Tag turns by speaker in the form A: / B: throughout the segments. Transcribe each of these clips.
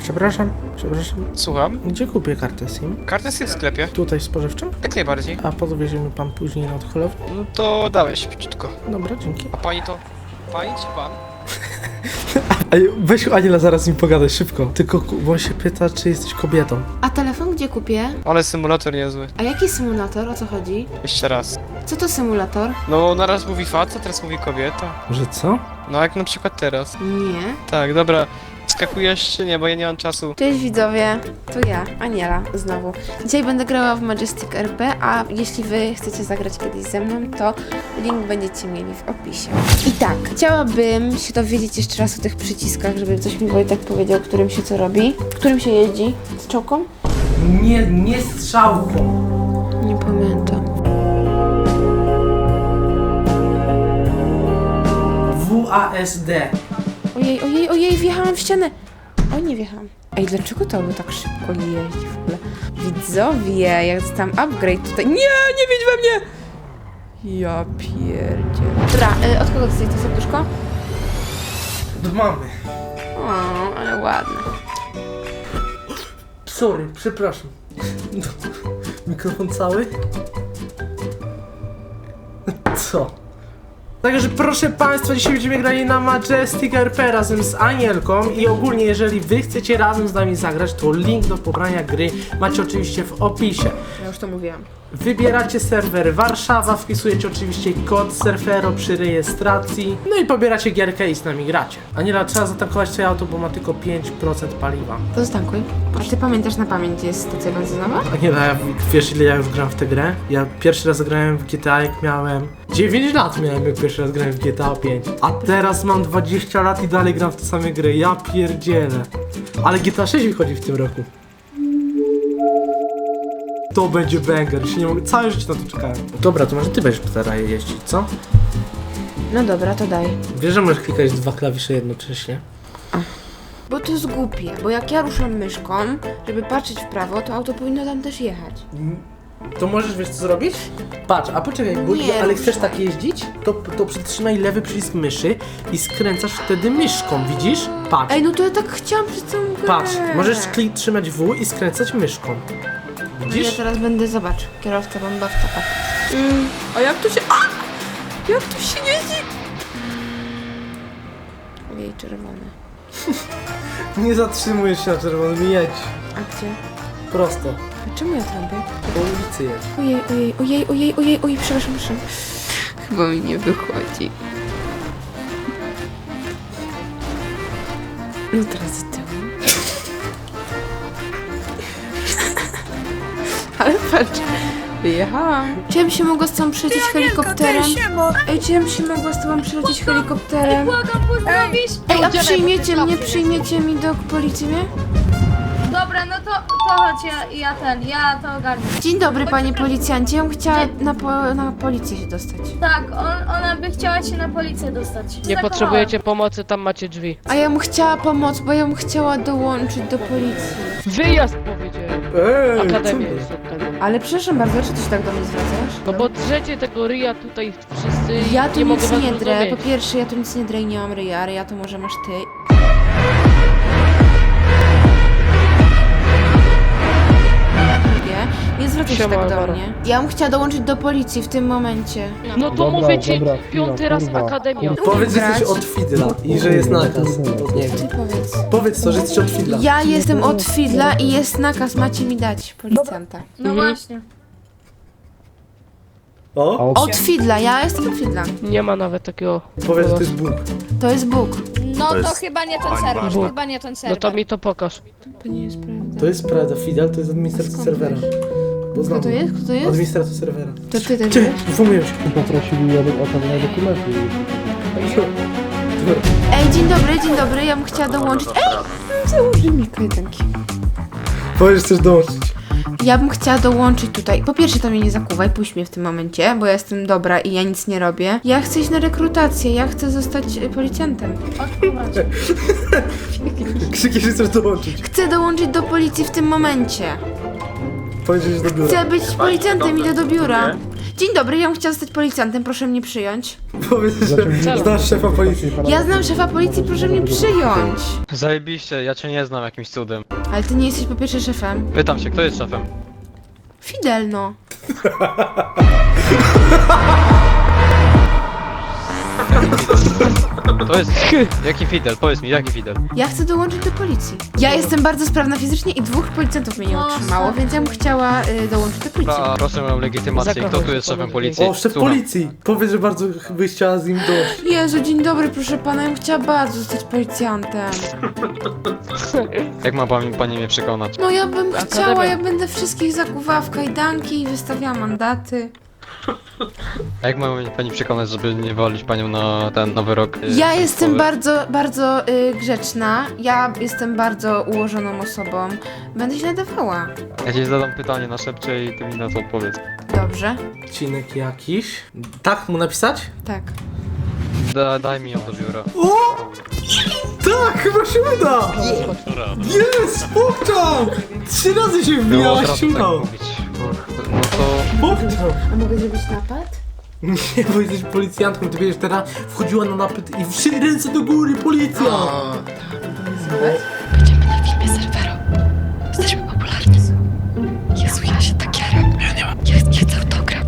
A: Przepraszam.
B: Słucham?
A: Gdzie kupię kartę SIM?
B: Kartę jest w sklepie.
A: Tutaj w spożywczym?
B: Jak najbardziej.
A: A podwiezie mi pan później na odchylownię?
B: No to dałeś szybciutko.
A: Dobra, dzięki.
B: A pani to? Pani czy pan?
A: Weź Aniela, zaraz mi pogadaj, szybko. Tylko, bo on się pyta, czy jesteś kobietą.
C: A telefon gdzie kupię?
B: Ale symulator niezły.
C: A jaki symulator? O co chodzi?
B: Jeszcze raz.
C: Co to symulator?
B: No, naraz mówi facet, teraz mówi kobieta.
A: Że co?
B: No, jak na przykład teraz.
C: Nie.
B: Tak, dobra. Skakujesz czy nie, bo ja nie mam czasu.
C: Cześć widzowie, to ja, Aniela, znowu. Dzisiaj będę grała w Majestic RP, a jeśli wy chcecie zagrać kiedyś ze mną, to link będziecie mieli w opisie. I tak, chciałabym się dowiedzieć jeszcze raz o tych przyciskach, żeby coś mi Wojtek powiedział, którym się co robi. Którym się jeździ? Z czołką?
A: Nie strzałką.
C: Nie pamiętam.
A: WASD.
C: Ojej, wjechałam w ścianę. O, nie wjechałam. Ej, dlaczego to by tak szybko jeździ w ogóle? Widzowie, jak tam upgrade tutaj. Nie wiedź we mnie! Ja pierdzie. Dobra, od kogo dostaję to serduszko?
A: Do mamy.
C: O, ale ładne.
A: Sorry, przepraszam. Mikrofon cały? Co? Także proszę Państwa, dzisiaj będziemy grali na Majestic RP razem z Anielką i ogólnie jeżeli Wy chcecie razem z nami zagrać, to link do pobrania gry macie oczywiście w opisie.
C: Ja już to mówiłam.
A: Wybieracie serwer Warszawa, wpisujecie oczywiście kod Surfero przy rejestracji, no i pobieracie gierkę i z nami gracie. Aniela, trzeba zatankować twoje auto, bo ma tylko 5% paliwa.
C: To ztankuj. A ty pamiętasz na pamięć, jest stacja benzynowa?
A: Aniela, wiesz ile ja już gram w tę grę? Ja pierwszy raz grałem w GTA jak miałem 9 lat miałem, jak pierwszy raz grałem w GTA 5. A teraz mam 20 lat i dalej gram w te same gry. Ja pierdzielę. Ale GTA 6 wychodzi w tym roku. To będzie banger, się nie mogę, całe życie na to czekałem. Dobra, to może ty będziesz teraz jeździć, co?
C: No dobra, to daj.
A: Wiesz, że możesz klikać dwa klawisze jednocześnie?
C: Bo to jest głupie, bo jak ja ruszam myszką, żeby patrzeć w prawo, to auto powinno tam też jechać.
A: To możesz, wiesz co zrobić? Patrz, a poczekaj, bo
C: Nie,
A: ale chcesz
C: ruszaj.
A: tak jeździć? To przytrzymaj lewy przycisk myszy i skręcasz wtedy myszką, widzisz? Patrz,
C: Ej, no to ja tak chciałam przez całą grę.
A: patrz, możesz trzymać W i skręcać myszką.
C: Ja
A: Widzisz?
C: teraz będę, zobacz, kierowca bombowca, patrz. A jak to się... Jak to się jeździ? Ojej, czerwone.
A: Nie zatrzymujesz się na czerwonym, jedź.
C: A gdzie?
A: Prosto.
C: A czemu ja trąbię?
A: Po ulicy jedź.
C: Ojej, przepraszam. Chyba mi nie wychodzi. No teraz z tyłu. Ale patrz, wyjechałam. Czy ja bym się mogła z tobą przylecieć helikopterem? Ej, czy ja bym się mogła z tobą przylecieć helikopterem?
D: Błagam, pozdrowisz!
C: Ej, a przyjmiecie mi do policji mnie?
D: Dobra, no to chodź, ja to ogarnę.
C: Dzień dobry, panie policjancie. Ja bym chciała na policję się dostać.
D: Tak, ona by chciała się na policję dostać.
E: Nie potrzebujecie pomocy, tam macie drzwi.
C: A ja bym chciała pomóc, bo ja bym chciała dołączyć do policji.
E: Wyjazd powiedziałem! Akademia jest akademia.
C: Ale przepraszam bardzo, czy ty się tak do mnie zwracasz?
E: No bo drzecie tego ryja tutaj wszyscy i
C: Ja tu
E: nie mogę
C: nic
E: was
C: nie drę. Po
E: zrozumieć.
C: pierwsze, ja tu nic nie drę i nie mam ryja, ale ja to może masz ty. Nie zwracaj się
E: Siema,
C: tak do
E: Alvaro.
C: mnie. Ja bym chciała dołączyć do policji w tym momencie.
E: No to mówię ci, piąty raz akademia.
A: Powiedz, że
C: grać.
A: jesteś od Fidla i że jest nakaz. Nie wiem.
C: Ty powiedz.
A: Powiedz to, że jesteś od Fidla.
C: Ja jestem od Fidla i jest nakaz, macie mi dać policjanta.
D: No właśnie.
A: O,
C: Od Fidla, ja jestem od Fidla.
E: Nie ma nawet takiego...
A: powiedz, że to jest Bóg.
C: To jest Bóg.
D: No to chyba nie ten serwer,
E: Bóg.
D: chyba nie ten
E: No
D: serwer.
E: to mi to pokaż.
C: To nie jest prawda.
A: To jest prawda, Fidel to jest administrator
C: Skąd
A: serwera.
C: wiesz?
A: Bo znam.
C: Kto to jest? Kto to jest?
A: Administrator serwera.
C: To ty też
A: Ty,
C: wiesz?
A: informuję się.
F: Poprosili o pewne dokumenty.
C: Ej, dzień dobry, ja bym chciała dołączyć. Ej, założy mi kajdanki.
A: Powiedz, że chcesz dołączyć.
C: Ja bym chciała dołączyć tutaj. Po pierwsze, to mnie nie zakuwaj, puść mnie w tym momencie, bo ja jestem dobra i ja nic nie robię. Ja chcę iść na rekrutację, ja chcę zostać policjantem.
A: Krzykiesz, że chcesz dołączyć.
C: Chcę dołączyć do policji w tym momencie.
A: Powiedz, że do biura.
C: Chcę być policjantem, idę do biura. Dzień dobry, ja bym chciała zostać policjantem, proszę mnie przyjąć.
A: Powiedz, że znasz szefa policji.
C: Ja znam szefa policji, proszę mnie przyjąć.
G: Zajebiście, ja cię nie znam jakimś cudem.
C: Ale ty nie jesteś po pierwsze szefem.
G: Pytam się, kto jest szefem?
C: Fidel, no.
G: To jest... Jaki Fidel? Powiedz mi, jaki Fidel?
C: Ja chcę dołączyć do policji. Ja jestem bardzo sprawna fizycznie i 2 policjantów mnie nie utrzymało, więc ja bym chciała dołączyć do policji.
G: Proszę o legitymację, kto tu jest szefem policji?
A: O, szef
G: Słucham.
A: policji. Powiedz, że bardzo byś chciała z nim dojść.
C: Jezu, dzień dobry, proszę pana, ja bym chciała bardzo zostać policjantem.
G: Jak ma pani mnie przekonać?
C: No ja bym
E: Akademia.
C: chciała, ja będę wszystkich zakuwała w kajdanki i wystawiała mandaty.
G: A jak ma pani przekonać, żeby nie walić panią na ten nowy rok?
C: Ja jestem
G: państwowy?
C: bardzo grzeczna, ja jestem bardzo ułożoną osobą. Będę się nadawała.
G: Ja ci zadam pytanie na szepcze i ty mi na to odpowiedz.
C: Dobrze?
A: Odcinek jakiś. Tak mu napisać?
C: Tak.
G: Daj mi ją do biura.
A: O! Tak, chyba się uda! Jest! Popczam! 3 razy się
G: Było
A: wbijałaś,
G: teraz
A: się
G: tak
A: udało.
G: mówić. No to...
A: Popczam!
C: A mogę zrobić napad?
A: Nie, bo jesteś policjantką, ty będziesz teraz wchodziła na napęd i wszystkie ręce do góry, policja!
H: Będziemy na filmie Serwero. Jesteśmy popularni. Jezu, ja się tak jaram. Ja chcę autograf.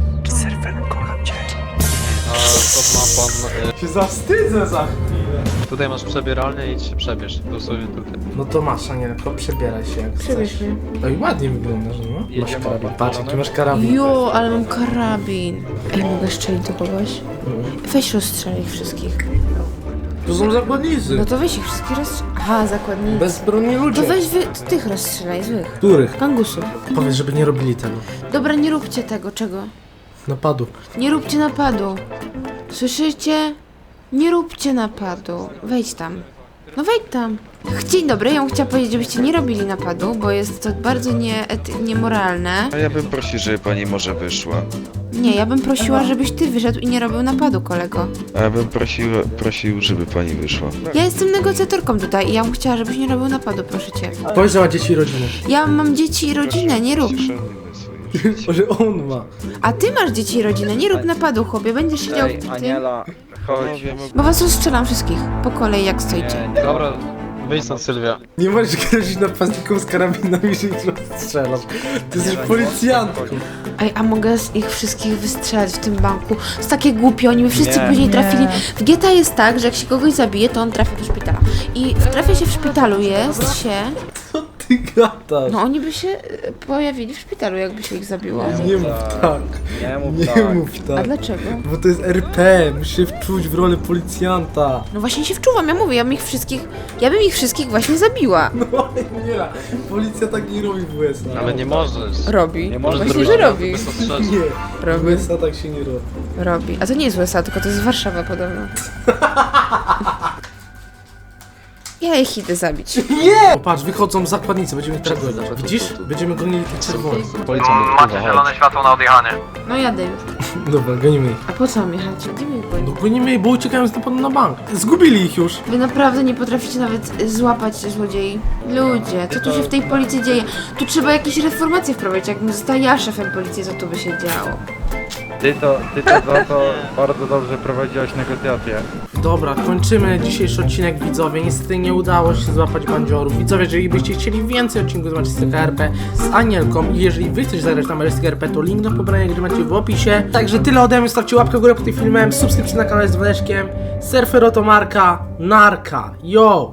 G: A to ma pan...
A: Się zawstydzę za chwilę.
G: Tutaj masz przebieralnię i się przebierz. Tu sobie tutaj.
A: No to masz, Anielko, przebieraj się jak
C: Przebierz
A: chcesz.
C: mnie.
A: Oj, ładnie wyglądasz, no. Masz karabin, patrz jaki masz karabin.
C: Jo, ale mam karabin. Ej, mogę strzelić do kogoś? Weź rozstrzel ich wszystkich.
A: To są zakładnicy.
C: No to weź ich wszystkich rozstrzel. Aha, zakładnicy.
A: Bezbronni ludzie.
C: To weź tych rozstrzelaj, złych.
A: Których?
C: Kangusów.
A: Powiedz, żeby nie robili tego.
C: Dobra, nie róbcie tego, czego?
A: Napadu.
C: Nie róbcie napadu. Słyszycie? Nie róbcie napadu. Wejdź tam. No wejdź tam. Dzień dobry, ja bym chciała powiedzieć, żebyście nie robili napadu, bo jest to bardzo niemoralne.
I: A ja bym prosił, żeby pani może wyszła.
C: Nie, ja bym prosiła, żebyś ty wyszedł i nie robił napadu, kolego.
I: A ja bym prosił, żeby pani wyszła.
C: Ja jestem negocjatorką tutaj i ja bym chciała, żebyś nie robił napadu, proszę cię.
A: Powiedz, że ma dzieci i rodzinę.
C: Ja mam dzieci i rodzinę, nie rób.
A: Że on ma.
C: A ty masz dzieci i rodzinę, nie rób napadu, chłopie, będziesz siedział w tym.
I: Chodź.
C: Bo was rozstrzelam wszystkich, po kolei jak stoicie.
G: Dobra, wyjdź stąd Sylwia.
A: Nie możesz grozić napastnikom z karabinami, że ich rozstrzelasz. Ty jesteś policjantką.
C: Ej, a mogę z ich wszystkich wystrzelać w tym banku? Jest takie głupie, oni by wszyscy później trafili. W GTA jest tak, że jak się kogoś zabije, to on trafia do szpitala. I trafia się w szpitalu jest się...
A: Co ty gadasz?
C: No oni by się pojawili w szpitalu, jakby się ich zabiło.
A: Nie mów tak. Nie mów
C: A
A: tak.
C: dlaczego?
A: Bo to jest RP, musisz się wczuć w rolę policjanta.
C: No właśnie się wczuwam, ja mówię, ja bym ich wszystkich właśnie zabiła.
A: No nie, policja tak nie robi w USA.
G: Ale nie możesz.
C: Robi.
G: Nie możesz
C: Właśnie,
G: zrobić
C: że
G: tego,
C: robi.
G: bez ostrzeżeń.
A: Nie, w
C: Robi.
A: USA tak się nie robi.
C: Robi. A to nie jest USA, tylko to jest Warszawa podobno. Ja ich idę zabić.
A: Nie! Patrz, wychodzą zakładnicy, będziemy ich teraz gonić. Widzisz? Będziemy gonili tych czerwonych.
G: Policjant odpływa, chodź.
J: światło na odjechanie.
C: No jadę już.
A: Dobra, gonimy ich.
C: A po co mam jechać? Gdzie mi
A: No gonimy ich, bo uciekają z napadu na bank. Zgubili ich już.
C: Wy naprawdę nie potraficie nawet złapać złodziei. Ludzie, co tu się w tej policji dzieje? Tu trzeba jakieś reformacje wprowadzić. Jakbym została ja szefem policji, co tu by się działo?
J: Ty to za to bardzo dobrze prowadziłaś negocjacje.
A: Dobra, kończymy dzisiejszy odcinek, widzowie. Niestety nie udało się złapać bandziorów. Widzowie, jeżeli byście chcieli więcej odcinków z Majestica RP z Anielką i jeżeli wy chcecie zagrać na Majestica RP, to link do pobrania gry macie w opisie. Także tyle ode mnie, stawcie łapkę w górę pod tym filmem, subskrypcję na kanale z dzwoneczkiem. Surfero to marka, narka, yo!